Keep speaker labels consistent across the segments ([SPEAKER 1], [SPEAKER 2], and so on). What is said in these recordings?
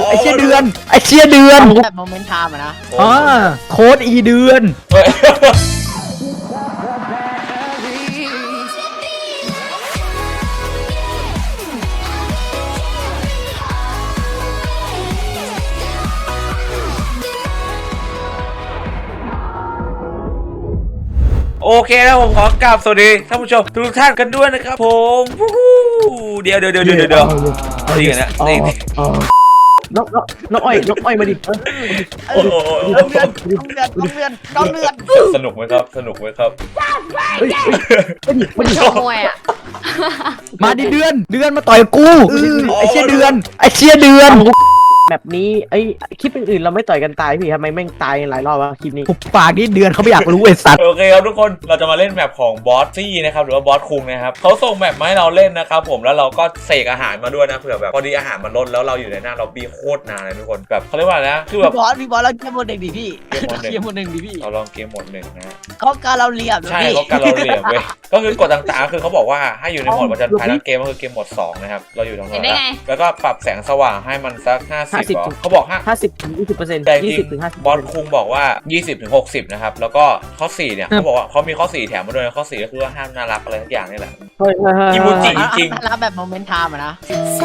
[SPEAKER 1] ไอ้เชี่ยเดือนไอ้เชี่ยเดือน
[SPEAKER 2] แบบโมเมนต์ไทม์อะนะ
[SPEAKER 1] อ่าโค้ดอีเดือน
[SPEAKER 3] เฮ้ยโอเคแล้วผมขอกราบสวัสดีท่านผู้ชมทุกท่านกันด้วยนะครับผมเดี๋ยวนี่ไงนะนี่
[SPEAKER 4] น้องอ้อยมาดิ
[SPEAKER 3] โอ้โห
[SPEAKER 2] น้องเลือด
[SPEAKER 3] สนุกไหมครับสนุกไหมครับ
[SPEAKER 5] ชกมวยอ่ะ
[SPEAKER 1] มาดิเดือนมาต่อยกูไอ้เชี่ยเดือนไอ้เชี่ยเดือน
[SPEAKER 4] แบบนี้ไอ้คลิปอื่นๆเราไม่ต่อยกันตายพี่ทำไมแม่งตายหลายรอบวะคลิปนี้
[SPEAKER 1] หุบปากนี่เดือนเขาไม่อยากรู้ไอ้สัตว์
[SPEAKER 3] โอเคครับทุกคนเราจะมาเล่นแมปของบอสซี่นะครับหรือว่าบอสคุงนะครับเขาส่งแมปมาให้เราเล่นนะครับผมแล้วเราก็เสกอาหารมาด้วยนะเผื่อแบบพอดีอาหารมันลดแล้วเราอยู่ในหน้าเราบีโคตรนานเลยทุกคนแบบเขาเรียกว่าอะไรนะคือแบบ
[SPEAKER 2] พี่บอสเราเกมหมดหนึ่งดิพี่เกมหมดหนึ่งดิพี่
[SPEAKER 3] เราลองเกมโหมดหนึ่งนะ
[SPEAKER 2] เขาการเราเรียบ
[SPEAKER 3] ใช่
[SPEAKER 2] พี่
[SPEAKER 3] เขาการเราเหลี่ยมเว้ยก็คือกฎต่างๆคือเขาบอกว่าให้อยู่ในโหมดประจันภัยทั้งเกมก็คือเกมโหมด2นะครับเราอยู่ตรงนั้นแล้วก็ปรับแสงสว่างให้มันสัก50เขาบอก
[SPEAKER 4] 50-20%
[SPEAKER 3] แต่จริง
[SPEAKER 4] 20-50%
[SPEAKER 3] บอสคุงบอกว่า 20-60 นะครับแล้วก็ข้อ4เนี่ยเขาบอกว่าเขามีข้อ4แถมมาด้วยนะข้อ4ก็คือว่าห้ามน่ารักอะไรทุกอย่างนี่แหละ กิมูจิ จริง
[SPEAKER 2] รับแบบโมเมนต์ไทม์อะนะ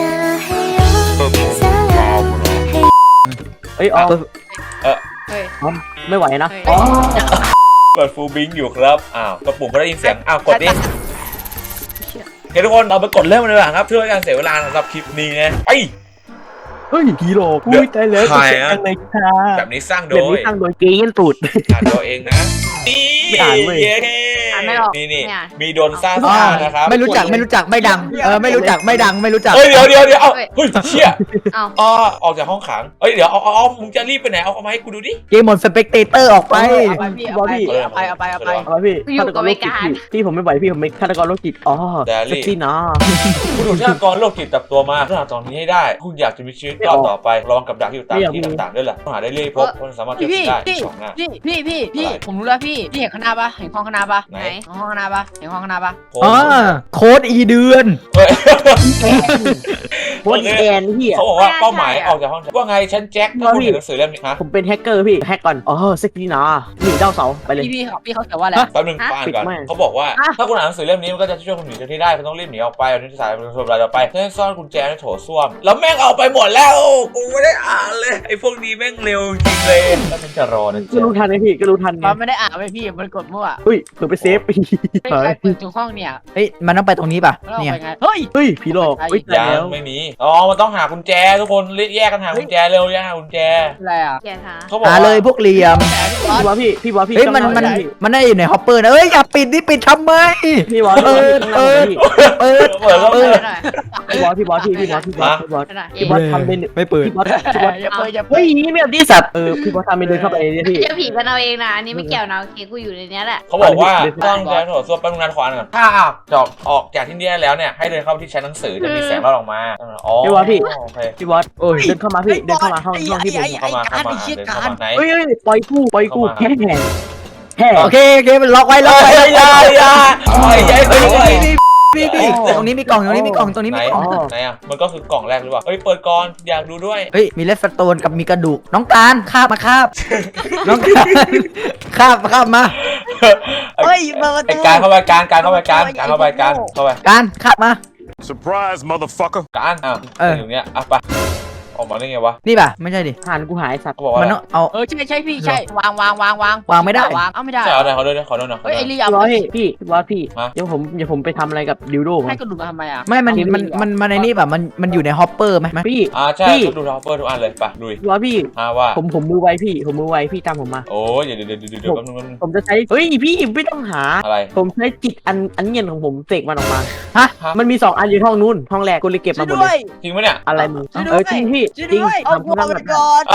[SPEAKER 4] เอ้ยอ๋อ
[SPEAKER 5] เฮ้ย
[SPEAKER 4] ไม่ไหวนะ
[SPEAKER 5] เฮ้ย
[SPEAKER 4] อ๋อ
[SPEAKER 3] เปิดฟูลบิงอยู่ครับอ้าวกระปุ่มก็ได้ยินเสียงอ้าวกดดิโอเคทุกคนเราไปกดเริ่มกันเลยครับเพื่อการเสียเวลาสำหรับคลิปนี้นะไป
[SPEAKER 4] เฮ้ยผีหลอกอุ้ยตายแล้ว
[SPEAKER 3] ใครอะ
[SPEAKER 4] จังเลยค่ะ
[SPEAKER 3] แบบนี้สร้างโด
[SPEAKER 4] แบบ
[SPEAKER 3] ย
[SPEAKER 4] นี้ตั้งโดยเกย์ยันตูด
[SPEAKER 3] อ่านตัวเองนะนี่
[SPEAKER 4] ไม่อ่านเว้ย
[SPEAKER 5] อ่านไม่ออก
[SPEAKER 3] นี่
[SPEAKER 5] ไม่อ่าน
[SPEAKER 3] มีโดนซ่านะครับ
[SPEAKER 1] ไม่รู้จักไม่ดังไม่รู้จักไม่ดังไม่รู้จัก
[SPEAKER 3] เฮ้ยเดี๋ยวเอาเฮ้ยเชี่ย
[SPEAKER 5] เอ้า
[SPEAKER 3] อ๋อออกจากห้องขังเฮ้ยเดี๋ยวเอามึงจะรีบไปไหนเอามาให้กูดูดิ
[SPEAKER 1] เกมหมดสเปกเตเตอร์ออกไป
[SPEAKER 2] เอาไปพี่เอาไปเอาไป
[SPEAKER 4] เอาพี่ฆาตกรโรคจิตพี่ผมไม่ไหวพี่ผมเป็นฆาตกรโรคจิตอ๋อเซ็กซี่นะ
[SPEAKER 3] คุณถูกฆาตกรโรคจิตจับตัวมาฆาตกรนี้ให้ได้คุณอยากจะมีชีวิตรอดต่อไประวังกับดักที่อยู่ตามที่ต่างๆด้วยล่ะต้องหาได้เรื่อยพบคนสามารถเจอ
[SPEAKER 2] พี่
[SPEAKER 3] ได้
[SPEAKER 2] พี่
[SPEAKER 3] สองหน้า
[SPEAKER 2] พี่ผมรู้แล้วพี่เห็นข้างหน้าปะเห็นห้องข้างหน้าปะ
[SPEAKER 3] ไหน
[SPEAKER 2] ห้องข้างหน้าปะเห็นห้องข้างหน้าปะ
[SPEAKER 1] อ่าโค้ดอีเดือน
[SPEAKER 3] เฮ้ย
[SPEAKER 4] โคตรแกนพี่
[SPEAKER 3] เขาบอกว่าเป้าหมายออกจากห้องว่าไงฉันแจ็คถ้าคุณเห็นหนังสือเล่มนี้ฮะ
[SPEAKER 4] ผมเป็นแฮกเกอร์พี่แฮกก่อนอ๋อเซ็กซี่นะหนีดาวเสาไปเลย
[SPEAKER 2] พี่เขาเขียนว่าอะไร
[SPEAKER 3] แป๊บนึงฟังก่อนเขาบอกว่าถ้าคุณอ่านหนังสือเล่มนี้มันก็จะช่วยคุณหนีจากที่ได้คุณต้องรีบหนีออกไปเอาที่สายเป็นส่วนรายต่อไปเพื่อซ่อนกุญแจในโถส้วมแล้วแม่งเอาไปหมดแล้วกูไม่ได้อ่านเลยไอ้พวกนี้แม่งเร็วจริงเลยแล้วมันจะรอนะ
[SPEAKER 4] ก็รู้ทันไหมพี่ก็รู้ทันไง
[SPEAKER 2] มันไม่ได้อ่านไปพี่มันกดมั่ว
[SPEAKER 4] เฮ้ยเผื่อไปเซฟไป
[SPEAKER 2] ไม่ใครเปิดทุกห้องเนี่ย
[SPEAKER 1] เฮ้ยมันต้องไปตรงนี้ป่ะ
[SPEAKER 2] แล้วเรา
[SPEAKER 1] เนี่ย
[SPEAKER 2] ไปไงเฮ้ย
[SPEAKER 4] เฮ้ยผีหลอกเฮ้ยตาย
[SPEAKER 3] ยั
[SPEAKER 4] แล้
[SPEAKER 3] ง
[SPEAKER 4] ว
[SPEAKER 3] ไม่มีอ๋อมันต้องหากุญแจทุกคนแยกกันหากุญแจเร็วแยกหากุญแจ
[SPEAKER 2] อะไรอ่ะ
[SPEAKER 5] อย่าท้า
[SPEAKER 3] เขาบอก
[SPEAKER 1] หาเลยพวกเหลี่ยม
[SPEAKER 4] พี่บอสพี่บอสพี่
[SPEAKER 1] เฮ้ยมันได้อยู่ในฮอปเปอร์นะเอ้ยอย่าปิดนี่ปิดทำไม
[SPEAKER 4] พี่บอส
[SPEAKER 1] เปิด
[SPEAKER 3] เปิดแล้ว
[SPEAKER 5] เปิดหน่อย
[SPEAKER 4] พี่บอสพี่บอสทำเป็น
[SPEAKER 1] ไม่เปิด
[SPEAKER 4] พี่บอส
[SPEAKER 2] อย่าเปิดอย่าเปิ
[SPEAKER 4] เฮ้
[SPEAKER 2] ด
[SPEAKER 4] ยนี่แบบที่สัตว์พี่บอสทำเป็นเดินเข้าไปเนี่ยพี่
[SPEAKER 5] เจ้าผีกันเอาเองนะอันนี้ไม่เกี่ยวนะโอเคกูอยู่ในเนี้ยแหละ
[SPEAKER 3] เขาบอกว่าต้องใช้โถส้วมแป๊บนึงนะขวานก่อนถ้าออกจากที่นี่ได้แล้วเนี่ยให้เดินเข้าที่ชั้นหนังสือจะมีแสงรอดออกมาอ๋อโอเค
[SPEAKER 4] พี่บอสเดินเข้ามาพี่เดินเข้ามาห้องที่ผม
[SPEAKER 3] เข้ามาเดินเข้ามาไหน
[SPEAKER 4] เฮ้ยปล่อยกู้แค่
[SPEAKER 1] โอเคมันล็อกไว้
[SPEAKER 3] อย่าปล่อยใจไปเลย
[SPEAKER 1] พี่ตรงนี้มีกล่องตรงนี้มีกล่องตรงนี้
[SPEAKER 3] ไหน
[SPEAKER 1] มีกล่อง
[SPEAKER 3] ไหนอ่ะมันก็คือกล่องแรกหรือเปล่าเฮ้ยเปิดก่อนอยากดูด้วย
[SPEAKER 1] เฮ้ยมีเลสโตนกับมีกระดูกน้องการคาบมาคาบน้องการคาบมา
[SPEAKER 2] เฮ้ยมาประ
[SPEAKER 3] ไอ้
[SPEAKER 2] ตู
[SPEAKER 3] การเข้าไปการเข้าไปการเข้าไป
[SPEAKER 1] การคาบมา
[SPEAKER 6] Surprise, motherfucker.
[SPEAKER 3] การอยู่เนี้ยอ่ะไปออกมาได้ไงวะ
[SPEAKER 1] นี่ป่ะไม่ใช่ดิ
[SPEAKER 4] หานกูหายสัตว์
[SPEAKER 3] เขาบอกว่า
[SPEAKER 1] มันต้องเอา
[SPEAKER 2] ใช่พี่ใช่วาง
[SPEAKER 1] วางไม่ได้
[SPEAKER 2] วางเอาไม่ได้
[SPEAKER 3] ใช่เอาหน่อยเขาด้วยขอด้วยหน่อย
[SPEAKER 2] เฮ้ยไอ้ลี่
[SPEAKER 4] พี่
[SPEAKER 2] เอา
[SPEAKER 4] บอสพี่บอสพี่เดี๋ยวผมไปทำอะไรกับดิวโด
[SPEAKER 2] ให้กระดูกมาทำไมอ่ะ
[SPEAKER 1] ไม่มันในนี่ป่ะมันอยู่ในฮอปเปอร์ไหม
[SPEAKER 4] พี่
[SPEAKER 3] ใช่ดูท็อปเปอร์ทุกอันเลยไปดู
[SPEAKER 4] พี่บอสพี่
[SPEAKER 3] ว่า
[SPEAKER 4] ผมมือไวพี่ตามผมมา
[SPEAKER 3] โอ้ยเดี๋ยวแป๊บนึง
[SPEAKER 4] ผมจะใช้เฮ้ยพี่ไม่ต้องหา
[SPEAKER 3] อะไร
[SPEAKER 4] ผมใช้จิตอันเงียนของผมเสกมันออกมา
[SPEAKER 1] ฮะ
[SPEAKER 4] มันมี2 อันอยู่ห้องนู้นห้องแรกกูเลยเก็บ
[SPEAKER 2] ช่ว
[SPEAKER 4] มาย หมด
[SPEAKER 2] ด้
[SPEAKER 4] เล
[SPEAKER 2] วย
[SPEAKER 4] ย
[SPEAKER 3] จริงไหมเนี่ย
[SPEAKER 4] อะไรมึงจริงพี่
[SPEAKER 2] ช่วย
[SPEAKER 4] จริง
[SPEAKER 2] ด้วยเอา
[SPEAKER 4] ทำ
[SPEAKER 2] พวก
[SPEAKER 4] ทำ
[SPEAKER 2] มั
[SPEAKER 4] แบบ
[SPEAKER 2] นก่อน
[SPEAKER 3] อ้าว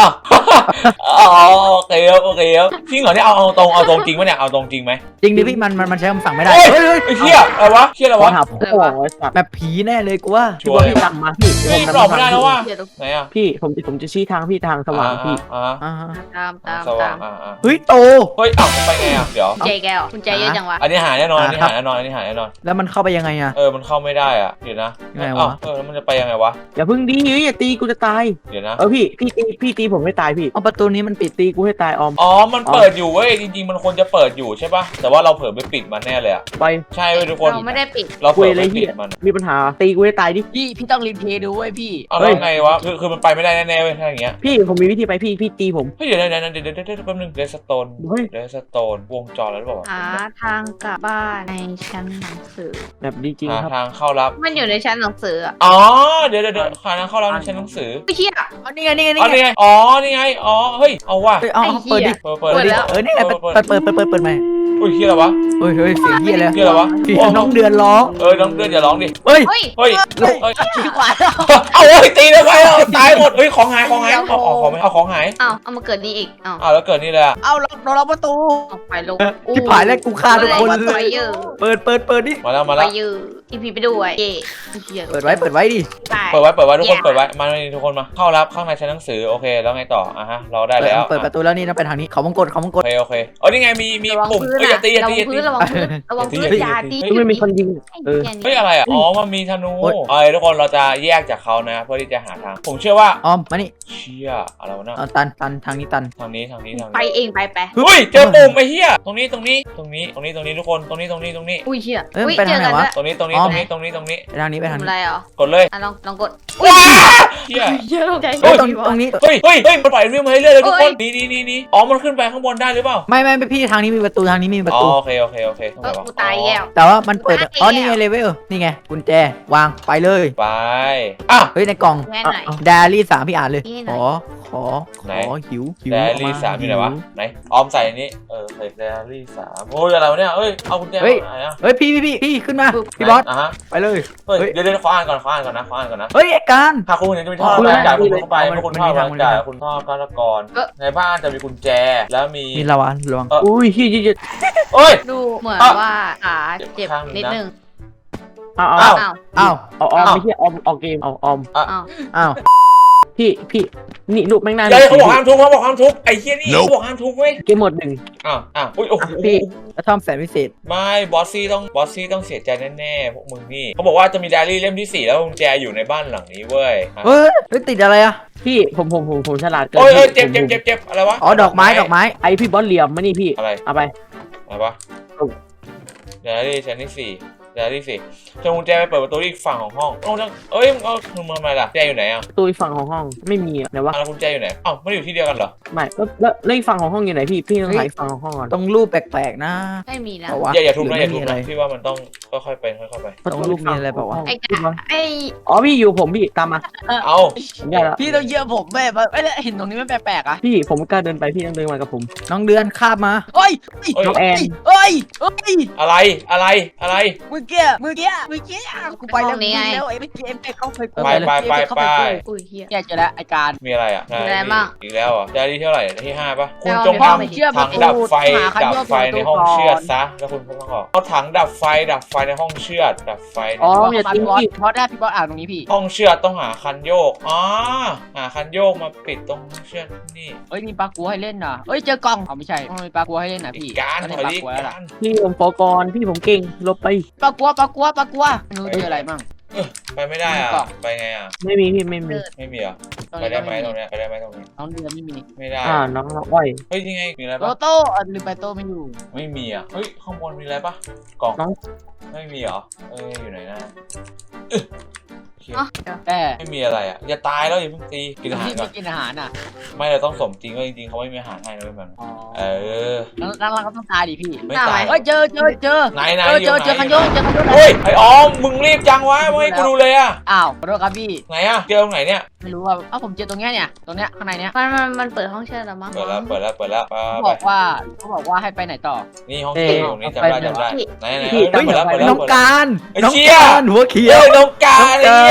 [SPEAKER 3] อ๋อโอเคครับโอเคครับจริงเหรอเนี่ยเอาตรงจริงปะเนี่ยเอาตรงจริงไหม
[SPEAKER 1] จริงดิพี่มันใช้คำสั่งไม่ได้
[SPEAKER 3] เฮ้ย
[SPEAKER 1] เฮ้ยเฮ้ย
[SPEAKER 3] ไอ้เหี้ยอะไรวะเหี้ยอะไร
[SPEAKER 4] ขอ
[SPEAKER 3] วะ
[SPEAKER 4] หาพ่อไอ้สัตว์
[SPEAKER 1] แบบผีแน่เลยกูว่า
[SPEAKER 3] ชัวร์
[SPEAKER 4] พี่ตามมาพี่
[SPEAKER 3] เฮ้ยหลอกไม่ได้แล้วว่ะ
[SPEAKER 5] เดี๋ยว
[SPEAKER 3] ไหนอ่ะ
[SPEAKER 4] พี่ผมจะชี้ทางพี่ทางสว่างพี่
[SPEAKER 1] อ่า
[SPEAKER 3] สว่าง
[SPEAKER 1] เฮ้ยโต
[SPEAKER 3] เฮ้ยไปไงอ่ะเดี๋ยว
[SPEAKER 5] เจแก้วคุณใจเยอะจังวะ
[SPEAKER 3] อันนี้หายแน่นอนอันนี้หายแน่นอนอันนี้หายแน่นอน
[SPEAKER 1] แล้วมันเข้าไปยังไงอะ
[SPEAKER 3] มันเข้าไม่ได้อ่ะเดี๋ยวนะ
[SPEAKER 1] ยังไงวะ
[SPEAKER 3] แล้วมันจะไปยังไงวะ
[SPEAKER 4] อย่าพึ่งดีอย่าตีกูจะตาย
[SPEAKER 3] เดี๋ยวนะ
[SPEAKER 4] พี่ตีผมไม่ตายพี่
[SPEAKER 1] เอาประตูนี้มันปิด
[SPEAKER 4] ตีกูให้ตายออม
[SPEAKER 3] อ๋อมันเปิดอยู่เว้ยจริงๆมันควรจะเปิดอยู่ใช่ป่ะแต่ว่าเราเผลอไปปิดมันแน่เลยอ่ะ
[SPEAKER 4] ไป
[SPEAKER 3] ใช่เว้ยทุกคน
[SPEAKER 5] เราไม่ได้ปิด
[SPEAKER 3] เราเผ
[SPEAKER 4] คุ
[SPEAKER 3] ล
[SPEAKER 4] ย
[SPEAKER 3] อ
[SPEAKER 4] อะไร
[SPEAKER 3] ไป
[SPEAKER 4] เหี้
[SPEAKER 3] ปิ
[SPEAKER 4] ย
[SPEAKER 3] ดมัน
[SPEAKER 4] มีปัญหาตีกูให้ตายดิ
[SPEAKER 2] พี่ต้องรีเพลย์ดูเว้ยพี่
[SPEAKER 3] เอาแล้วไงวะคือมันไปไม่ได้แน่ๆเว้ยถ้าอย่างเงี้ย
[SPEAKER 4] พี่ผมมีวิธีไปพี่ตีผม
[SPEAKER 3] เฮ้ยเดี๋ยวแป๊บนึงเดสโตน
[SPEAKER 4] เฮ้ย
[SPEAKER 3] วงจรแล้วหรือเปล่าวะ
[SPEAKER 5] หาทางกลับบ้านในชั้นหนังสือ
[SPEAKER 4] แบบดีจริง
[SPEAKER 3] หา
[SPEAKER 4] ครับ
[SPEAKER 3] ทางเข้ารับ
[SPEAKER 5] มันอยู่ในชั้นหนังสืออะ
[SPEAKER 3] อ๋อเดี๋ยวหาทางเข้ารับในชั้นหนังสือ
[SPEAKER 5] ไม่เชี่ย
[SPEAKER 1] เอานี่ไงนี่ไง
[SPEAKER 3] อ๋อ
[SPEAKER 1] นี่
[SPEAKER 3] นี่
[SPEAKER 1] ไง
[SPEAKER 3] ไงอ๋อนี่ไงอ๋อเฮ้ยเอาว่ะ
[SPEAKER 1] เฮ้ยเอา
[SPEAKER 5] ไอ้
[SPEAKER 1] เปิดดิ
[SPEAKER 5] เหี้ย
[SPEAKER 3] เปิด
[SPEAKER 5] เปิดแล้ว
[SPEAKER 1] นี่ไงเปิดใหม่
[SPEAKER 3] อุ้ยเฮียอะไรวะ
[SPEAKER 1] เฮ้ยเสียงเฮียเลย
[SPEAKER 3] เฮียอะไรวะ
[SPEAKER 1] เสียงน้องเดือนร้อง
[SPEAKER 3] น้องเดือนอย่าร้องดิ
[SPEAKER 1] เฮ้ย
[SPEAKER 5] เฮ้ย
[SPEAKER 3] เฮ้ย
[SPEAKER 2] ดีกว่า
[SPEAKER 3] เอาเฮ้ยตีเลยไปตายหมดเฮ้ยของหายเอาของหาย
[SPEAKER 5] เอามาเกิดนี่อีกเอา
[SPEAKER 3] แล้วเกิดนี่เลยอ่ะ
[SPEAKER 2] เอาเราประตู
[SPEAKER 5] เอาไปลง
[SPEAKER 1] ที่ผายแล้วกูฆ่าทุกคน
[SPEAKER 5] ไป
[SPEAKER 1] เลย
[SPEAKER 5] เยอะ
[SPEAKER 1] เปิดดิ
[SPEAKER 3] มาแล้ว
[SPEAKER 5] ไปเยอะอีพีไปด้วยเย่เหี้ย
[SPEAKER 1] เปิดไว้ดิ
[SPEAKER 5] ไป
[SPEAKER 3] เปิดไว้ทุกคนเปิดไว้มาทุกคนมาเข้ารับข้างในชั้นหนังสือโอเคแล้วไงต่อฮะเราได้แล้ว
[SPEAKER 1] เปิดประตูแล้วนี่ต้องไปทางนี้เขามงกฎ
[SPEAKER 3] โอเคอ๋อนี่ไงมี
[SPEAKER 5] ระวัง
[SPEAKER 3] ปุ่ม
[SPEAKER 5] พื้น
[SPEAKER 3] อย่าตี
[SPEAKER 5] ระวังพื้นระวังพื้นอย่าตี
[SPEAKER 4] ไม่มีคนยิง
[SPEAKER 3] เฮ้ยอะไรอ่ะอ๋อมันมีธนูทุกคนเราจะแยกจากเขานะเพื่อที่จะหาทางผมเชื่อว่า
[SPEAKER 1] ออมมานี่
[SPEAKER 3] เชี่ยอะไรวะนะ
[SPEAKER 1] ตันทางนี้ตัน
[SPEAKER 3] ทางนี้
[SPEAKER 5] ไปเองไป
[SPEAKER 3] เฮ้ยเจอปุ่มไอ้เหี้ยตรงนี้ทุกคนตรงนี้
[SPEAKER 5] อุ้ยเชี่ย
[SPEAKER 1] เอ้ยไปทางไหนวะ
[SPEAKER 3] ตรงนี้
[SPEAKER 1] อ๋อ ไปทางนี้
[SPEAKER 5] ทำอะไรเหรอก
[SPEAKER 3] ดเลย
[SPEAKER 5] ลองกด
[SPEAKER 3] ว้าเหี้ย
[SPEAKER 5] เชี่ยใจ
[SPEAKER 1] เฮ้ยตรงนี้
[SPEAKER 3] เฮ้ยมันปล่อยวิ่งมาเรื่อยเลยทุกคนนี่อ๋อมันขึ้นไปข้างบนได้หรือเปล่า
[SPEAKER 1] ไม่พี่ทางนี้มีประตูทางนี้มีประ
[SPEAKER 3] อ๋อ
[SPEAKER 1] ตู
[SPEAKER 3] โอเคตรงไหนวะ
[SPEAKER 5] กูตายแล้ว
[SPEAKER 1] แต่ว่ามันเปิดอ๋อนี่ไงเลเวลนี่ไงกุญแจวางไปเลย
[SPEAKER 3] ไปอ่ะ
[SPEAKER 1] เฮ้ยในกล่อง
[SPEAKER 5] แม่ไหน
[SPEAKER 1] ไดอารี่3พี่อ่านเลย
[SPEAKER 5] นี่ไหน
[SPEAKER 1] ขอหิว
[SPEAKER 3] ไดอารี่3อยู่ไหนวะไหนออมใส่อันนี้ใส่ไดอารี่3โอ้ยอะไรวะเนี่ยเอ้ยเอากุญแจมาไหนอ่ะ
[SPEAKER 1] เฮ้ยพี่ขึ้นมาพี่บอส
[SPEAKER 3] ฮะ
[SPEAKER 1] ไปเลย
[SPEAKER 3] เฮ้ยเดี๋ยวขออ่านก่อนนะ
[SPEAKER 1] เฮ้ยไอ้การ
[SPEAKER 3] หากคุณเห็นจะมีท่อการจ่ายคุณเข้าไปเมื่อคุณท่อการจ่ายคุณท่อการกรในบ้านจะมีกุญแจแล้วมี
[SPEAKER 1] มีละวะลวง
[SPEAKER 4] อุ้ยพี่
[SPEAKER 3] เอ้ย
[SPEAKER 5] ดูเหมือนว่าขาเจ็บนิดนึง
[SPEAKER 4] เอา
[SPEAKER 3] อ้าว
[SPEAKER 5] อ้าว
[SPEAKER 1] อ้าว
[SPEAKER 4] ออมไม่ใช่ออมเกมเอาออม
[SPEAKER 1] อ้าว
[SPEAKER 4] พี่นี่ลูกแม่งน่า
[SPEAKER 3] เดี๋ยวเขาบอกห้ามทุบไอ้เหี้ยนี่เขาบอกห้ามทุบเว้ย
[SPEAKER 4] เกมหมดหนึ่ง
[SPEAKER 3] อุ้ยโอ้โห
[SPEAKER 1] แล้วทำแสนพิเศษ
[SPEAKER 3] ไม่บอสซี่ต้องเสียใจแน่ๆพวกมึงนี่เขาบอกว่าจะมีไดอารี่เล่มที่4แล้วกุญแจอยู่ในบ้านหลังนี้เว้ย
[SPEAKER 1] เฮ้ยติดอะไรอะ
[SPEAKER 4] พี่ผมฉลาดเกิน
[SPEAKER 3] โอ้ยเจ็บอะไรวะ
[SPEAKER 1] อ๋อดอกไม้
[SPEAKER 4] ไอพี่บอสเหลี่ยมมานี่พี่
[SPEAKER 3] อะไร
[SPEAKER 4] เอาไป
[SPEAKER 3] อะไรวะไดอารี่ชั้นที่4ไดอารี่4จะกุญแจไปเปิดประตูอีกฝั่งของห้องมึงทำไมล่ะกุญแจอยู่ไหนอ่ะ
[SPEAKER 4] ตัวอีกฝั่งของห้องไม่มีอะไหนวะ
[SPEAKER 3] แล้วกุญแจอยู่ไหนไม่อยู่ที่เดียวกันเหรอ
[SPEAKER 4] ไม่แล้วอีกฝั่งของห้องอยู่ไหนพี่ต้องหาอีกฝั่งของห้องก่อน
[SPEAKER 1] ต้องรูปแปลกๆนะ
[SPEAKER 5] ไม่มีแล้ว
[SPEAKER 3] อย่าทุบนะ
[SPEAKER 1] ไม่มีอะไร
[SPEAKER 3] พี่ว่ามันต้องค่อยๆไปค่อยๆไป
[SPEAKER 1] ต้องรูปมีอะไรเปล่าวะ
[SPEAKER 5] ไอ้กะไอ้
[SPEAKER 4] อ๋อพี่อยู่ผมพี่ตามมา
[SPEAKER 3] เอา
[SPEAKER 4] ผมได้แล้ว
[SPEAKER 2] พี่ต้องเยี่ยมผมแม่ไม่ได้เห็นตรงนี้มันแปลกๆอ่ะ
[SPEAKER 4] พี่ผมกล้าเดินไปพี่ต้องเดินมากับผม
[SPEAKER 1] น้องเดือนคาบมา
[SPEAKER 2] เฮ้ย
[SPEAKER 4] น้องแอน
[SPEAKER 2] เฮ้ย
[SPEAKER 3] อะไร
[SPEAKER 2] เมื่อกี้กูไปแล้วไอ้เกมเข้าไป
[SPEAKER 5] อุ้ยเฮีย
[SPEAKER 2] แกเจอแล้วไอ้การ
[SPEAKER 3] มีอะไรอ่ะ
[SPEAKER 5] อะไรบ้าง
[SPEAKER 3] อีกแล้วอ่ะไดอารี่เท่าไหร่ที่5ป่ะคุณจง
[SPEAKER 5] ไม่
[SPEAKER 3] ทำถังดับไฟในห้องเชือดซะแล้วคุณก็ต้องออกเอาถังดับไฟในห้องเชือดดับไฟ
[SPEAKER 4] อ๋อ
[SPEAKER 2] พี่บอสพี่บอสอ่านตรงนี้พี่
[SPEAKER 3] ห้องเชือดต้องหาคันโยกหาคันโยกมาปิดตรงเชือดนี่
[SPEAKER 2] เอ้ยมีปลากัวให้เล่นน่ะเอ้ยเจอกล่องไม่ใช่มีปลากัวให้เล่นน่ะพี่
[SPEAKER 3] การถอยดิการ
[SPEAKER 4] พี่ผมฟอกรพี่ผมเก่งลบไป
[SPEAKER 2] ปลากัวไม่รู้เจออะไรมั่ง
[SPEAKER 3] ไปไม่ได้อ่ะไปไงอ่ะ
[SPEAKER 4] ไม่มีพี่ไม่มี
[SPEAKER 3] ไม่มีอ่ะไปได้ไหมตรงเนี้ยไปได้ไหมตรงนี้
[SPEAKER 2] น้องเดือนไม่มี
[SPEAKER 3] ไม่ได้
[SPEAKER 4] น้องอ้อย
[SPEAKER 3] เฮ้ยยังไงมีอะไร
[SPEAKER 2] โต
[SPEAKER 3] ปะ
[SPEAKER 2] โต้ลืมไปโต้ไม่อยู่
[SPEAKER 3] ไม่มีอ่ะเฮ้ยข้างบนมีอะไรปะกล่อง
[SPEAKER 4] น้อง
[SPEAKER 3] ไม่มีเหรออยู่ไหนนะ
[SPEAKER 5] อ๋อ
[SPEAKER 2] แต่
[SPEAKER 3] ไม่มีอะไรอ่ะอย่าตายแล้วอย่าเพิ่งตีกินอาหาร
[SPEAKER 2] พี่
[SPEAKER 3] ก่อ
[SPEAKER 2] ไม่
[SPEAKER 3] น
[SPEAKER 2] กินอาหารน่ะ
[SPEAKER 3] ไม่เราต้องสมจริงว่าจริงๆเขาไม่มีอาหารให้นะเว้ยมัน
[SPEAKER 2] อ๋อ
[SPEAKER 3] อ
[SPEAKER 2] แล้วก็ต้องตายดิพี่
[SPEAKER 3] ไม่ตาย
[SPEAKER 2] เฮ้ยเจอ
[SPEAKER 3] ไหน
[SPEAKER 2] เจอคันโยก
[SPEAKER 3] เฮ้ยไอออมมึงรีบจังวะไม่ให้กูดูเลยอ่ะ
[SPEAKER 2] อ้าวขอโทษครับพี่
[SPEAKER 3] ไหนอ่ะเจอตรงไหนเนี่ย
[SPEAKER 2] ไม่รู้ว่าผมเจอตรงเนี้ยตรงเนี้ยข้างในเนี้ย
[SPEAKER 5] มันเปิดห้องเชิญแล้วมั้ง
[SPEAKER 3] เปิดแล้ว
[SPEAKER 2] เขาบอกว่าให้ไปไหนต่อ
[SPEAKER 3] นี่ห้องเก็บตรงนี้จำได้ไหน
[SPEAKER 1] น้องการ
[SPEAKER 3] เปิดแล้ว
[SPEAKER 1] หัวเขีย
[SPEAKER 3] เฮ้
[SPEAKER 1] วย
[SPEAKER 3] น้องการ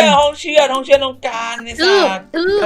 [SPEAKER 3] ห้องเชื่อดน้องการใน
[SPEAKER 5] ตื้อ
[SPEAKER 3] สัตว์
[SPEAKER 5] ตื้อก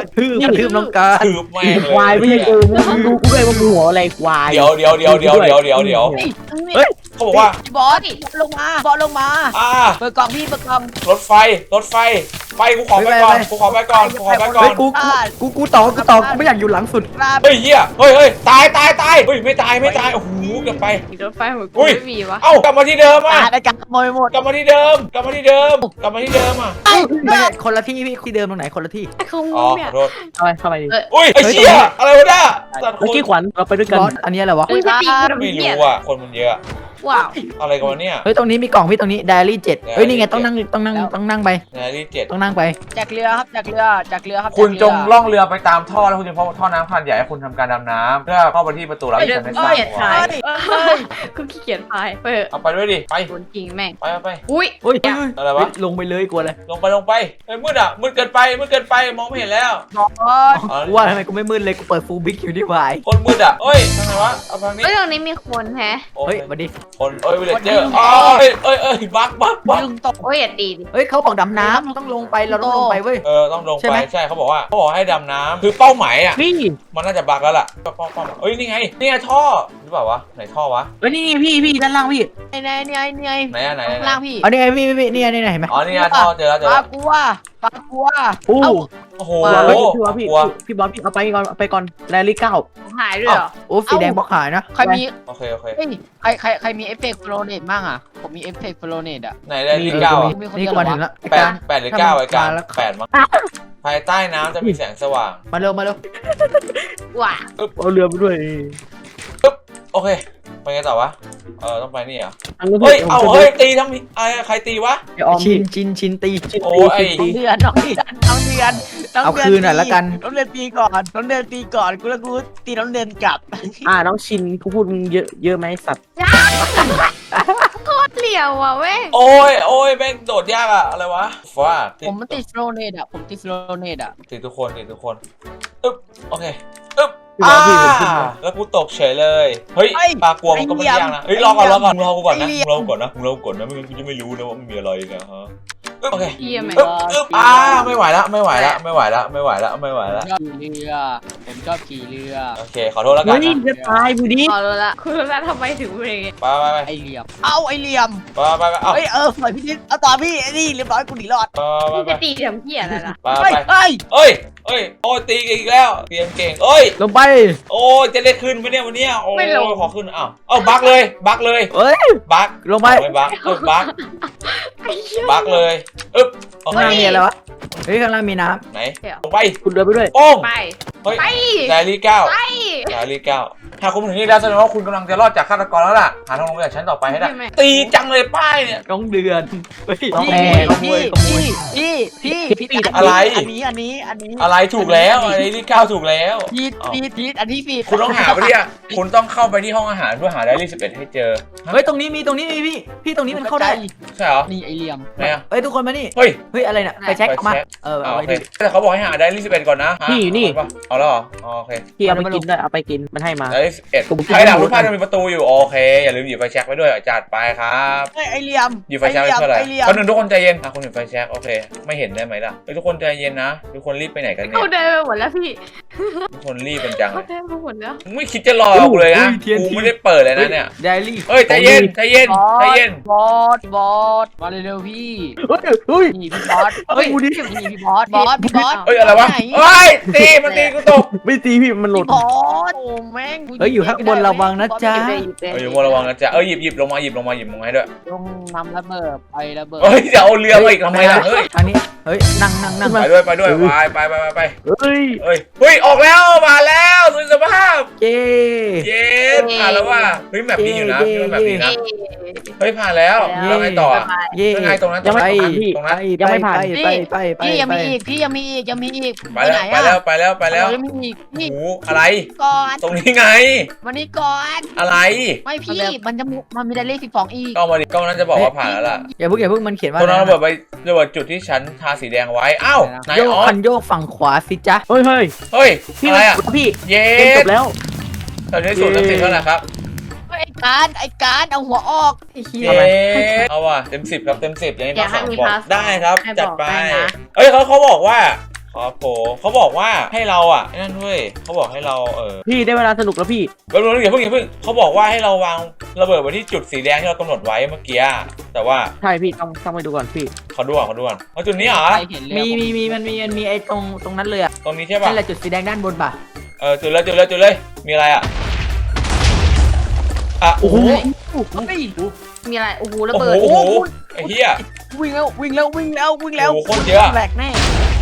[SPEAKER 1] ระทืบน้องการ
[SPEAKER 3] ถือแม่งเลย
[SPEAKER 4] ควายไม่ใช่กูมึงดูกูด้วยว่ามึงหัวอะไรควาย
[SPEAKER 3] เดี๋ยว
[SPEAKER 1] เฮ้ย
[SPEAKER 3] เขาบอกว่า
[SPEAKER 2] บอสลงมาบอสลงมา เปิดกล่องพี่เปิดกล่อง
[SPEAKER 3] รถไฟไปกูขอไปก่อนกูขอไปก่อน
[SPEAKER 1] เฮ้ยกูต่อกูไม่อยากอยู่หลังสุด
[SPEAKER 2] ครับ
[SPEAKER 3] เฮ้ยเหี้ยเฮ้ยตายเฮ้ยไม่ตายโอ้โหเกือบไป
[SPEAKER 5] รถไฟหัวกู
[SPEAKER 3] อุ้ย
[SPEAKER 5] ไม่มีวะ
[SPEAKER 3] เอ้ากลับมาที่เดิมอ่ะ
[SPEAKER 2] ได้การขโมยหมด
[SPEAKER 3] กลับมาที่เดิมอ่ะ
[SPEAKER 1] ไม่ใช่คนละที่พี่ที่เดิมตรงไหนคนละที่
[SPEAKER 5] ไอ้ของ
[SPEAKER 3] อ๋
[SPEAKER 5] มึ
[SPEAKER 3] อง
[SPEAKER 5] เนี่
[SPEAKER 3] ข
[SPEAKER 5] ย
[SPEAKER 3] อโทษ
[SPEAKER 4] เข้าไปดิ
[SPEAKER 3] อุ้ยไอ้เชี่ยอะไรวะเนี่ยสัตว์ค
[SPEAKER 4] เมื่อน กี้ขวัญเราไปด้วยกัน
[SPEAKER 1] บอสอันนี้อะไรวะ
[SPEAKER 5] มึงจะตีกูทำ
[SPEAKER 3] ไม่
[SPEAKER 5] เหี้ย
[SPEAKER 3] รู้อ่ะคนมันเยอะ
[SPEAKER 5] ว้าว
[SPEAKER 3] อะไรกันวะเนี่ย
[SPEAKER 1] เฮ้ยตรงนี้มีกล่องพี่ตรงนี้ไดอารี่7เฮ้ยนี่ไงต้องนั่งไป
[SPEAKER 3] นาฬิกา7
[SPEAKER 1] ต้องนั่งไป
[SPEAKER 2] จากเรือครับจากเรือครับ
[SPEAKER 3] คุณจงล่องเรือไปตามท่อแล้วคุณจะพบท่อน้ำขนาดใหญ่ให้คุณทำการดำน้ำเพื่อเข้าไปที่ประตูรับที่ฉันได้สร้างเอาไว้
[SPEAKER 5] กูขี้เกียจพายเปิด
[SPEAKER 3] เอาไปด้วยดิไป
[SPEAKER 5] โดนจริงแม่ง
[SPEAKER 3] ไป
[SPEAKER 5] อุ้ย
[SPEAKER 1] อุ้ย
[SPEAKER 3] อะไรวะ
[SPEAKER 1] ลงไปเลยกลัวเลย
[SPEAKER 3] ลงไปเฮ้ยมืดเกินไปมองไม่เห็นแล้ว
[SPEAKER 2] บอส
[SPEAKER 1] กูว่าทำไมกูไม่มืดเลยกูเปิดฟูลบิ๊กอยู่ที่วาย
[SPEAKER 3] คนมืดอ่ะเอ้ยทางไหนวะเอาทางนี้
[SPEAKER 5] เฮ้ยตรงนี้มีคนแฮะ
[SPEAKER 3] โอเค
[SPEAKER 1] เฮ้ยมาดิ
[SPEAKER 3] คนวิลเลจเจอร์บัก
[SPEAKER 2] ดึงตก
[SPEAKER 5] โอ้ยอย่าตีดิ
[SPEAKER 1] เฮ้ยเขาบอกดำน้ำต้องลงไปเราต้องลงไปเว้ย
[SPEAKER 3] ต้องลง
[SPEAKER 1] ใช่
[SPEAKER 3] ไป
[SPEAKER 1] ไหม
[SPEAKER 3] ใช่เขาบอกให้ดำน้ำคือเป้าหมายอ่ะ
[SPEAKER 4] นี่
[SPEAKER 3] มันน่าจะบักแล้วล่ะเป้าหมายเอ้ยนี่ไงท่อหรือเปล่าวะไหนท่อวะ
[SPEAKER 4] เฮ้ยนี่พี่ด้านล่างพี่
[SPEAKER 2] ไอ้ไหน
[SPEAKER 3] ไหนอะไหน
[SPEAKER 2] ข้างล่างพี่
[SPEAKER 1] เอานี่ไงพี่นี่เห็นไหม
[SPEAKER 3] อ๋อนี่ไงท่อเจอแล้ว
[SPEAKER 2] ปลากลัว
[SPEAKER 4] โอ้
[SPEAKER 3] โอ้โห
[SPEAKER 4] พี่บอสพี่บอสพี่เอาไปก่อนแรลลี่9
[SPEAKER 5] หายด้วยเหรอ
[SPEAKER 1] โอ้สีแดงบล็อกหายนะ
[SPEAKER 2] ใครมี
[SPEAKER 3] โอเค
[SPEAKER 2] เฮ้ยใครมีเอฟเฟกต์โฟลเนตบ้างอ่ะผมมีเอฟเฟกต์โฟลเนตอ่ะ
[SPEAKER 3] ไหนได้ที่9อ่ะ
[SPEAKER 1] นี่กูมาถึงแล้ว
[SPEAKER 3] 8หรือ9ไอ้การ8มั้งภายใต้น้ำจะมีแสงสว่าง
[SPEAKER 1] มาเร็ว
[SPEAKER 5] ว้า
[SPEAKER 4] เอาเรือไปด้วย
[SPEAKER 3] โอเคไปไงต่อวะต้องไปนี่เหรอ
[SPEAKER 4] อันนี้
[SPEAKER 3] เฮ้ยตีทำอะไรใครตีวะ
[SPEAKER 1] ชินตี
[SPEAKER 3] โอ้ย
[SPEAKER 2] น้องเดือน
[SPEAKER 1] เอาคืนหน่อยละกัน
[SPEAKER 2] น้องเดือนตีก่อนกูแล้วกูตีน้องเดือนกลับ
[SPEAKER 4] น้องชินกูพูดมึงเยอะไหมสัตว์
[SPEAKER 5] โคตรเหลี่ยวอ่ะเว้ย
[SPEAKER 3] โอ้ยแม่งโดดยากอะอะไรวะฟ้า
[SPEAKER 2] ผมมันติดโฟลเนตอ่ะตีทุกคน อึ๊บโอเคอึ๊บ
[SPEAKER 4] พี่บอสพี่ผมขึ้นมา
[SPEAKER 3] แล้วกูตกเฉยเลยเฮ้ยปลากลัวมันก็ไม่ยากนะเฮ้ยรอก่อนมึงรอกูก่อนนะไม่งั้นกูจะไม่รู้นะว่ามันมีอะไรนะฮะโอเค
[SPEAKER 5] เหี้ยแม่ง
[SPEAKER 3] อึ๊บไม่ไหวละ
[SPEAKER 2] ชอบขี่เรือผมชอบขี่เรือ
[SPEAKER 3] โอเคขอโทษแล้วกั
[SPEAKER 4] เฮ้
[SPEAKER 3] น
[SPEAKER 4] ย
[SPEAKER 3] นะ
[SPEAKER 4] จะตายบูดี
[SPEAKER 5] พอรู้ละคุณรู้ละทำไมถึงเป็นอย่างงี้
[SPEAKER 3] ไป
[SPEAKER 2] ไอเหลี่ยมไอเหลี่ยม
[SPEAKER 3] เอา
[SPEAKER 2] ปล่อยพี่นิดเอาต่อพี่ไอ้นี่เรียบร้อยกูหนีรอด
[SPEAKER 5] มึงจะตีทำเหี้ยอะไรล่ะ
[SPEAKER 3] ไปโอ้ยตีกันอีกแล้วเตรียมเก่ง
[SPEAKER 1] ลงไป
[SPEAKER 3] โอ้ยจะได้ขึ้นไหมเนี่ยวันนี้โอ้ยขอขึ้นบักเลย
[SPEAKER 1] เฮ้ย
[SPEAKER 3] บัก
[SPEAKER 1] ลงไป
[SPEAKER 3] ไม่บักบัก
[SPEAKER 5] ไอ้เหี้ย
[SPEAKER 3] บักเลยอึ๊บโอ
[SPEAKER 1] ข้าง
[SPEAKER 3] เค
[SPEAKER 1] ล่างมีอะไรวะเฮ้ยข้างล่างมีน้
[SPEAKER 3] ไหนลงไป
[SPEAKER 4] คุณเดินไปด้วย
[SPEAKER 3] โป้ง
[SPEAKER 5] ไป
[SPEAKER 3] เฮ้ย
[SPEAKER 5] ไป
[SPEAKER 3] ไดอารี่9
[SPEAKER 5] ไป
[SPEAKER 3] ไดอารี่9ถ้าคุณถึงนี่แล้วแสดงว่าคุณกำลังจะรอดจากฆาตกรแล้วล่ะหาทางลงจากชั้นต่อไปให้ได้ตีจังเลยป้ายเนี่ย
[SPEAKER 1] ำน้องเดือนเฮ้ย
[SPEAKER 2] พี่
[SPEAKER 1] ขโมย
[SPEAKER 2] พี่
[SPEAKER 3] อะไร
[SPEAKER 2] อันนี้
[SPEAKER 3] อะไรถูกแล้วไดอารี่9ถูกแล้ว
[SPEAKER 2] พีดอันนี้พีด
[SPEAKER 3] คุณต้องหาไปที่คุณต้องเข้าไปที่ห้องอาหารเพื่อหาไดอารี่11ให้เจอ
[SPEAKER 1] เฮ้ยตรงนี้มีพี่ตรงนี้มันเข้าได้
[SPEAKER 3] ใช่เหรอ
[SPEAKER 2] นี่ไอเหลี่ยม
[SPEAKER 3] ไหนอะ
[SPEAKER 1] เฮ้ยทุกคนมานี่
[SPEAKER 3] เฮ้ย
[SPEAKER 1] เฮ้ยอะไรเนี่ยไปเช็คออกมาเอา
[SPEAKER 3] โอ
[SPEAKER 1] ไว้
[SPEAKER 3] เค
[SPEAKER 1] ดิ
[SPEAKER 3] แต่เขาบอกให้หาไดอารี่11ก่อนนะเอาแล้วเหรอโอเค
[SPEAKER 4] พี่เอาไปกินด้วยเอาไปกินมันให้มา
[SPEAKER 3] ไดอารี่11ใครหลังรูปภาพจะมีประตูอยู่โอเคอย่าลืมหยิบไฟแช็กไว้ด้วยจัดไปครับ
[SPEAKER 2] ไอเหลี่ยม
[SPEAKER 3] หยิบไฟแช็กไว้เพื่ออะไรคนหนึ่งทุกคนใจเย็นคุณหยิบไฟแช็กโอเคไม่เห็นได้ไหมล่ะทุกคนใจเย็นนะทุกคนรีบไปไหนกันเนี่ย
[SPEAKER 5] เขาเดินไปหมดแล้วพี่
[SPEAKER 3] ทุกคนรีบเป็นจัง
[SPEAKER 5] เขาเดินไปหมดแล้ว
[SPEAKER 3] ไม่คิดจะรอกูเลยนะกูไม่ได้เปิดเลยนะเนี่ย
[SPEAKER 1] ไดอารี่
[SPEAKER 3] เฮ้ยใจเย็น
[SPEAKER 2] บอสมาเร็วพี่
[SPEAKER 4] เฮ้ย
[SPEAKER 2] นี่พี่บอสนี่พี่บอส
[SPEAKER 3] เฮ้ยอะไรวะเฮ้ยตีมันตีกูตก
[SPEAKER 4] ไม่ตีพี่มันหลุด
[SPEAKER 2] บอสโอ้แม่ง
[SPEAKER 1] เฮ้ยอยู่ข้างบนระวังนะจ๊ะ
[SPEAKER 3] อยู่บนระวังนะจ๊ะหยิบลงมาให้ด้วย
[SPEAKER 2] ลงนำระเบิดไประเบิด
[SPEAKER 3] เฮ้ยจะเอาเรือมาอีกทำไมล่ะเฮ้ย
[SPEAKER 1] ทางนี้เฮ้ยนั่ง
[SPEAKER 3] ไปด้วยไป
[SPEAKER 4] เฮ้ย
[SPEAKER 3] เฮ้ยออกแล้วมาแล้วสุดสภาพ
[SPEAKER 1] เย้
[SPEAKER 3] เย้ผ่านแล้วว่ะเฮ้ยแมปดีอยู่นะแมปดีนะเฮ้ยผ่านแล้วแล้วไงต่อ
[SPEAKER 1] เย้
[SPEAKER 3] ยังไงตรงนั้น
[SPEAKER 1] ไป
[SPEAKER 3] ตรงนั้น
[SPEAKER 1] ไป
[SPEAKER 2] พี่ยังมีอีกยังมีอีก
[SPEAKER 3] ไปแล้ว
[SPEAKER 2] ยังมีอีกนี่
[SPEAKER 3] หูอะไร
[SPEAKER 2] ก่อน
[SPEAKER 3] ตรงนี้ไง
[SPEAKER 2] วันนี้ก่อน
[SPEAKER 3] อะไร
[SPEAKER 2] ไม่พี่มันมีได้เลข12อีก
[SPEAKER 3] ก็มาดิก็นั้นจะบอกว่าผ่านแล้วล่ะ
[SPEAKER 1] อย่าเพิ่งมันเขียนว่า
[SPEAKER 3] ตรงนั้นระเบิดจุดที่ฉันทาสีแดงไว้อ้าวไหน
[SPEAKER 1] โยก
[SPEAKER 3] ออ
[SPEAKER 1] คั
[SPEAKER 3] ส
[SPEAKER 1] นโยกฝั่งขวาสิจ๊ะ
[SPEAKER 4] เฮ้ย
[SPEAKER 3] เฮ้ย
[SPEAKER 4] พี่
[SPEAKER 3] อะไรอ่ะ
[SPEAKER 4] พี่
[SPEAKER 3] เย้
[SPEAKER 4] เกมจบแล้ว
[SPEAKER 3] ตอนนี้สูตรน้ำสิบเท่าไหร่ครับ
[SPEAKER 2] ไอ้การเอาหัวออกไอ้เหี้ย
[SPEAKER 3] เย้เอาว่ะเต็ม 10ครับเต็ม 10อย่างนี้
[SPEAKER 5] อยากให้
[SPEAKER 3] สอง
[SPEAKER 5] มี
[SPEAKER 3] บอก
[SPEAKER 5] พาส
[SPEAKER 3] ได้ครับ
[SPEAKER 5] ให้
[SPEAKER 3] จัด
[SPEAKER 5] บอก
[SPEAKER 3] ไป
[SPEAKER 5] ได้นะ
[SPEAKER 3] เอ้ยเขาบอกว่าครับผมเขาบอกว่าให้เราอ่ะไอ้นั่นด้วยเขาบอกให้เรา
[SPEAKER 4] พี่ได้เวลาสนุกแล้วพี่
[SPEAKER 3] แป๊บนึงอย่าเพิ่งเขาบอกว่าให้เราวางระเบิดไว้ที่จุดสีแดงที่เรากำหนดไว้เมื่อกี้แต่ว่า
[SPEAKER 4] ใช่พี่ต้องไปดูก่อนพี่
[SPEAKER 3] เขาดูก่อนเอาจุดนี้เหรอ
[SPEAKER 2] ใครเห็นเลย
[SPEAKER 1] มันมีไอ้ตรงนั้นเลยอะ
[SPEAKER 3] ตรงนี้ใช่ป่ะ
[SPEAKER 1] นั่นแหละจุดสีแดงด้านบนป่ะ
[SPEAKER 3] จุดเลยมีอะไรอ่ะโอ้โห
[SPEAKER 5] มีอะไรโอ้โหระ
[SPEAKER 3] โอ้
[SPEAKER 5] เบิด
[SPEAKER 3] โหไอ้เหี้ย
[SPEAKER 2] วิ่งแล้ว
[SPEAKER 3] โอ้โหโคตรเยอะ
[SPEAKER 1] แหลกแน่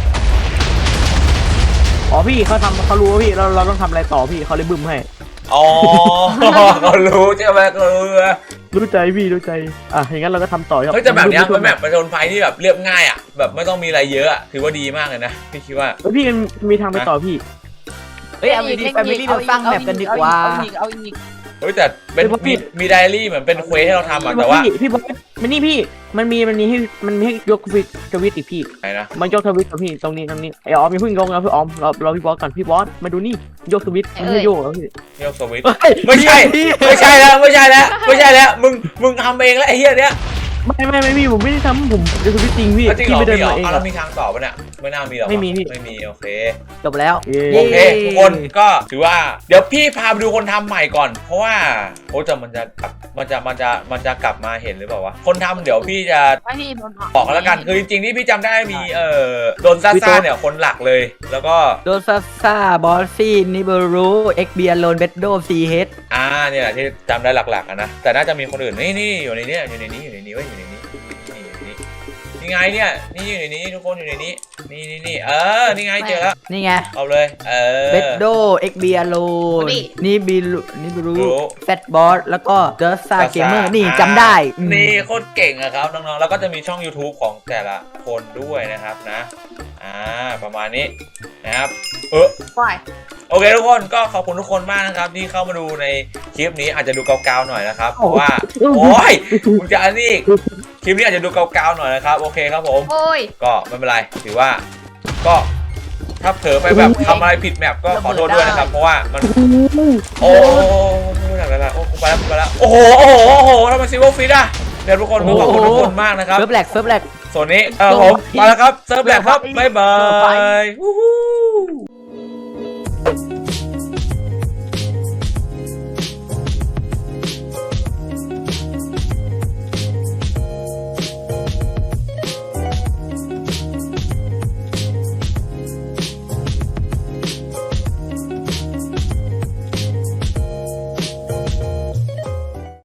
[SPEAKER 4] อ๋อพี่เขารู้ว่าพี่เราต้องทำอะไรต่อพี่เขาเลยบึ้มให้
[SPEAKER 3] อ๋อเขารู้ใช่ไหมเขารู้นะ
[SPEAKER 4] รู้ใจพี่รู้ใจอย่างนั้นเราก็ทำต่อครับ
[SPEAKER 3] เฮ้ยแต่แบบเนี้ยเป็นแบบประชนภัยที่แบบเรียบง่ายอ่ะแบบไม่ต้องมีอะไรเยอะอ่ะถือว่าดีมากเลยนะพี่คิดว่า
[SPEAKER 4] พี่มันมีทางไปต่อพี่
[SPEAKER 1] เฮ้ยเอาดีแฟมิลี่เราสร้างแมปกันดีกว่า
[SPEAKER 2] เอาอีก
[SPEAKER 3] เฮ้ยแต่เป็นมีไดอารี่เหมือนเป็นเควสให้เราทำอ่ะแต่ว่า
[SPEAKER 4] พี่บอสมันนี่พี่มันมีให้ยกทวิตอีกพี่
[SPEAKER 3] ไหนนะ
[SPEAKER 4] มันยกทวิตกับพี่ตรงนี้ไอ้ออมอย่าเพิ่งยกนะพี่ออมรอพี่บอสก่อนพี่บอสมาดูนี่ยกทวิตมันไม่โยกแล้วพี่
[SPEAKER 3] โยกสวิตช์ไม่ใช่แล้วมึงทำเองแล้วไอ้เหี้ยเนี้ย
[SPEAKER 4] ไม่พี่ผมไม่ได้ทำผมยกทวิตจริงพี่
[SPEAKER 3] จริงเหรอ
[SPEAKER 4] ไม่เดิน
[SPEAKER 3] มีเหรอ
[SPEAKER 4] มาเอง
[SPEAKER 3] เรามีทางต่อปะเนี่ยไม่น่ามีหรอก
[SPEAKER 4] ไม่มีพี่
[SPEAKER 3] ไม่มีโอเค
[SPEAKER 1] จบแล้ว
[SPEAKER 3] โอเคทุกคนก็ถือว่าเดี๋ยวพี่พาไปดูคนทำใหม่ก่อน เพราะว่าโอ้จะมันจะกลับมาเห็นหรือเปล่าวะคนทำเดี๋ยวพี่จะ
[SPEAKER 5] ไม่พี่โดนออก
[SPEAKER 3] บอกกันแล้วกันคือจริงๆที่พี่จำได้มีโดนซ่าเนี่ยคนหลักเลย แล้วก็
[SPEAKER 1] โดซาซาบอสซี่นิเบรูเอ็กเบียโลนเบดโดซีเฮด
[SPEAKER 3] เนี่ยแหละที่จำได้หลักๆนะแต่น่าจะมีคนอื่นนี่อยู่ในนี้อยู่ในนี้เว้ยอยู่ในนี้นี่ไงเนี่ยนี่อยู่ในนี้ทุกคนอยู่ในนี้นี่นี่ไงเจอแล้ว
[SPEAKER 1] นี่ไง
[SPEAKER 3] เอาเลย
[SPEAKER 1] เบดโดเอ็กเบียโลนนิบรูแฟตบอสแล้วก็เดอร์ซาเกมเมอร์นี่จำได้
[SPEAKER 3] นี่โคตรเก่งอะครับน้องๆแล้วก็จะมีช่อง YouTube ของแต่ละคนด้วยนะครับนะประมาณนี้นะครับ
[SPEAKER 5] ปล่อย
[SPEAKER 3] โอเคทุกคนก็ขอบคุณทุกคนมากนะครับที่เข้ามาดูในคลิปนี้อาจจะดูเกาๆหน่อยนะครับเพราะว่าโอ้ยมึงจะอันนี้คลิปนี้อาจจะดูเกาๆหน่อยนะครับโอเคครับผม
[SPEAKER 5] โอ้ย
[SPEAKER 3] ก็ไม่เป็นไรถือว่าก็ถ้าเผลอไปแบบทำอะไรผิดแมปก็ขอโทษด้วยนะครับเพราะว่ามันโอ้ไม่ได้แล้วโอ้ไปแล้วโอ้โหทำไมซิลเวอร์ฟิตอ่ะเดี๋ยวทุกคนขอบคุณทุกคนมากนะครับ
[SPEAKER 1] เซิร์ฟแหลก
[SPEAKER 3] ส่วนนี้ผมมาแล้วครับเซิร์ฟแหลกครับบ๊ายบาย